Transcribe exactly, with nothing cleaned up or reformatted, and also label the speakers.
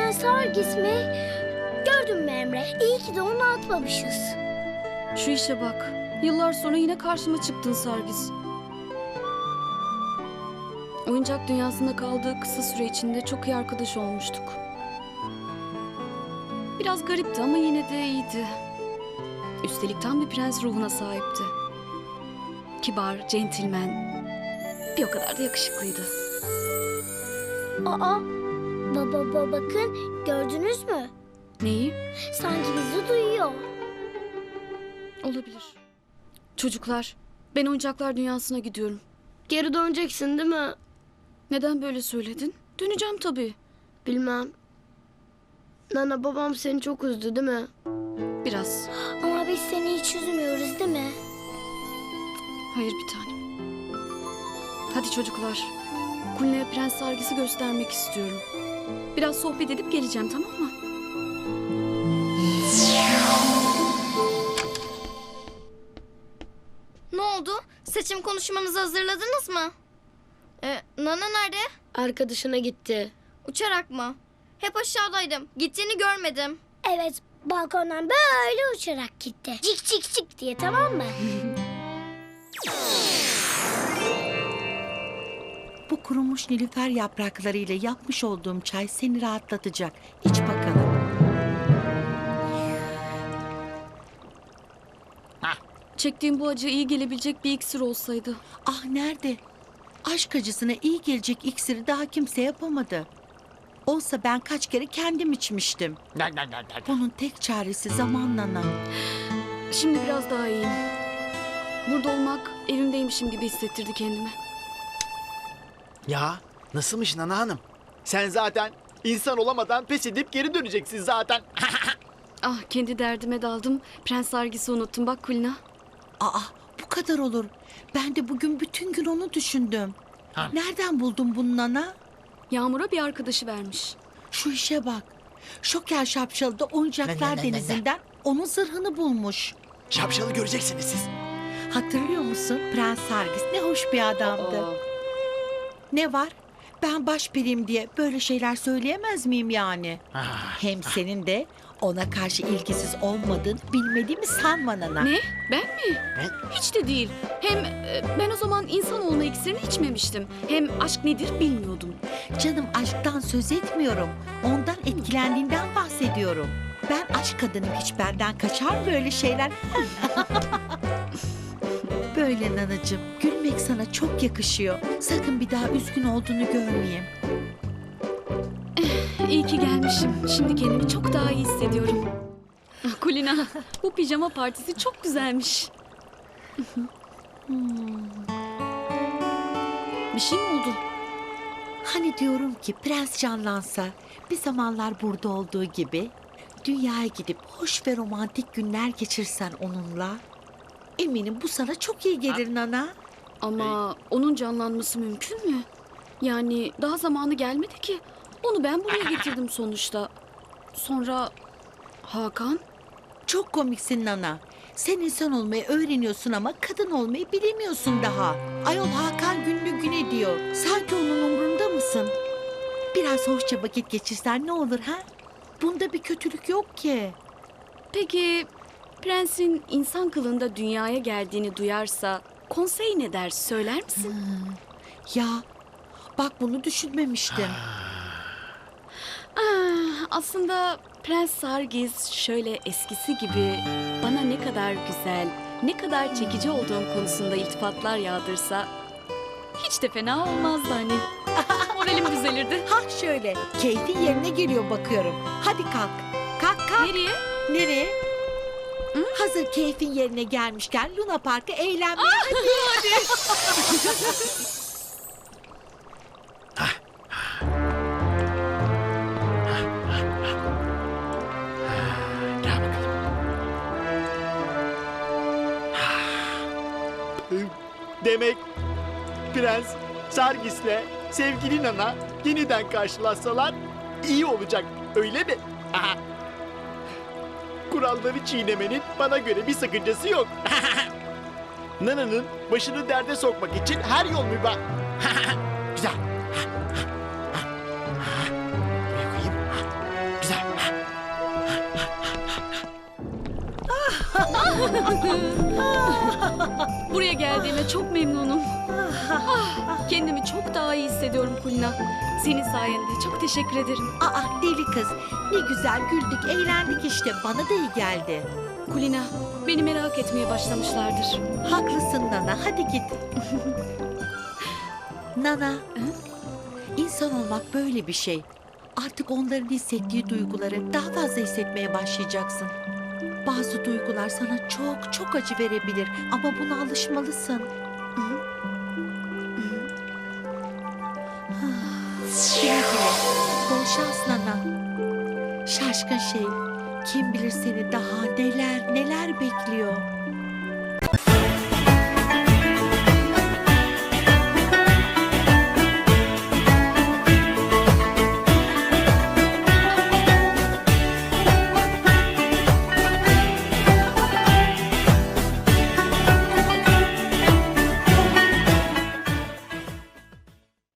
Speaker 1: Prens Sargis mi? Gördün mü Emre? İyi ki de onu atmamışız.
Speaker 2: Şu işe bak. Yıllar sonra yine karşıma çıktın Sargis. Oyuncak dünyasında kaldığı kısa süre içinde çok iyi arkadaş olmuştuk. Biraz garipti ama yine de iyiydi. Üstelik tam bir prens ruhuna sahipti. Kibar, centilmen. Bir o kadar da yakışıklıydı.
Speaker 1: Aa, baba baba bakın gördünüz mü?
Speaker 2: Neyi?
Speaker 1: Sanki bizi duyuyor.
Speaker 2: Olabilir. Çocuklar, ben oyuncaklar dünyasına gidiyorum.
Speaker 3: Geri döneceksin değil mi?
Speaker 2: Neden böyle söyledin? Döneceğim tabii.
Speaker 3: Bilmem. Nana babam seni çok üzdü değil mi?
Speaker 2: Biraz.
Speaker 1: Ama biz seni hiç üzmüyoruz değil mi?
Speaker 2: Hayır bir tanem. Hadi çocuklar. Kulina'ya Prens Sargis'i göstermek istiyorum. Biraz sohbet edip geleceğim, tamam mı?
Speaker 4: Ne oldu? Seçim konuşmanızı hazırladınız mı? Ee, Nana nerede?
Speaker 3: Arkadaşına gitti.
Speaker 4: Uçarak mı? Hep aşağıdaydım. Gittiğini görmedim.
Speaker 1: Evet, balkondan böyle uçarak gitti. Cik cik cik diye, tamam mı?
Speaker 5: Bu kurumuş nilüfer yapraklarıyla yapmış olduğum çay seni rahatlatacak. İç bakalım.
Speaker 2: Çektiğim bu acıya iyi gelebilecek bir iksir olsaydı.
Speaker 5: Ah nerede? Aşk acısına iyi gelecek iksiri daha kimse yapamadı. Olsa ben kaç kere kendim içmiştim. Bunun tek çaresi zaman Nana.
Speaker 2: Şimdi biraz daha iyiyim. Burada olmak evimdeymişim gibi hissettirdi kendimi.
Speaker 6: Ya nasılmış Nana Hanım? Sen zaten insan olamadan pes edip geri döneceksin zaten.
Speaker 2: Ah, kendi derdime daldım. Prens Sargis'i unuttum. Bak Kulina.
Speaker 5: Aa bu kadar olur. Ben de bugün bütün gün onu düşündüm.
Speaker 6: Ha.
Speaker 5: Nereden buldun bunu Nana?
Speaker 2: Yağmur'a bir arkadaşı vermiş.
Speaker 5: Şu işe bak. Şoker Şapşalı da oyuncaklar denizinden onun zırhını bulmuş.
Speaker 6: Şapşalı göreceksiniz siz.
Speaker 5: Hatırlıyor musun? Prens Sargis ne hoş bir adamdı.
Speaker 2: Aa,
Speaker 5: Ne var? Ben başperiyim diye böyle şeyler söyleyemez miyim yani?
Speaker 6: Ah,
Speaker 5: Hem senin de ona karşı ilgisiz olmadığını bilmediğimi sanma Nana.
Speaker 2: ne? Ben mi?
Speaker 6: Ben?
Speaker 2: Hiç de değil. Hem e, ben o zaman insan olma iksirini içmemiştim. Hem aşk nedir bilmiyordum.
Speaker 5: Canım aşktan söz etmiyorum. Ondan etkilendiğinden bahsediyorum. Ben aşk kadınım, hiç benden kaçar mı böyle şeyler? Böyle Nanacığım, gülmek sana çok yakışıyor. Sakın bir daha üzgün olduğunu görmeyeyim.
Speaker 2: İyi ki gelmişim. Şimdi kendimi çok daha iyi hissediyorum. Ah, Kulina, bu pijama partisi çok güzelmiş. Bir şey mi oldu?
Speaker 5: Hani diyorum ki prens canlansa, bir zamanlar burada olduğu gibi dünyaya gidip hoş ve romantik günler geçirsen onunla, eminim bu sana çok iyi gelir Nana.
Speaker 2: Ama onun canlanması mümkün mü? Yani daha zamanı gelmedi ki. Onu ben buraya getirdim sonuçta. Sonra Hakan?
Speaker 5: Çok komiksin Nana. Sen insan olmayı öğreniyorsun ama kadın olmayı bilemiyorsun daha. Ayol Hakan günlü güne diyor. Sanki onun umrunda mısın? Biraz hoşça vakit geçirsen ne olur ha? Bunda bir kötülük yok ki.
Speaker 2: Peki prensin insan kılığında dünyaya geldiğini duyarsa konsey ne der söyler misin?
Speaker 5: Ya bak bunu düşünmemiştim.
Speaker 2: Ah, aslında Prens Sargis şöyle eskisi gibi bana ne kadar güzel, ne kadar çekici olduğum konusunda iltifatlar yağdırsa hiç de fena olmazdı hani. Moralim düzelirdi.
Speaker 5: Ha şöyle, keyfin yerine geliyor bakıyorum. Hadi kalk. Kalk kalk.
Speaker 2: Nereye?
Speaker 5: Nereye? Hazır keyfin yerine gelmişken Luna Park'a eğlenmeye
Speaker 6: Gel bakalım. Demek Prens Sargis'le sevgili Nana yeniden karşılaşsalar iyi olacak, öyle mi? Aha. Kuralları çiğnemenin bana göre bir sakıncası yok. Nana'nın başını derde sokmak için her yol mübah. Güzel. Buraya koyayım.
Speaker 2: Buraya geldiğime çok memnunum. Ah, kendimi çok daha iyi hissediyorum Kulina. Senin sayende çok teşekkür ederim.
Speaker 5: Aa deli kız. Ne güzel güldük, eğlendik işte. Bana da iyi geldi.
Speaker 2: Kulina, beni merak etmeye başlamışlardır.
Speaker 5: Haklısın Nana. Hadi git. Nana. İnsan olmak böyle bir şey. Artık onların hissettiği duyguları daha fazla hissetmeye başlayacaksın. Bazı duygular sana çok çok acı verebilir ama buna alışmalısın. Güle güle. Bol şans Nana. Şaşkın şey. Kim bilir seni daha neler neler bekliyor.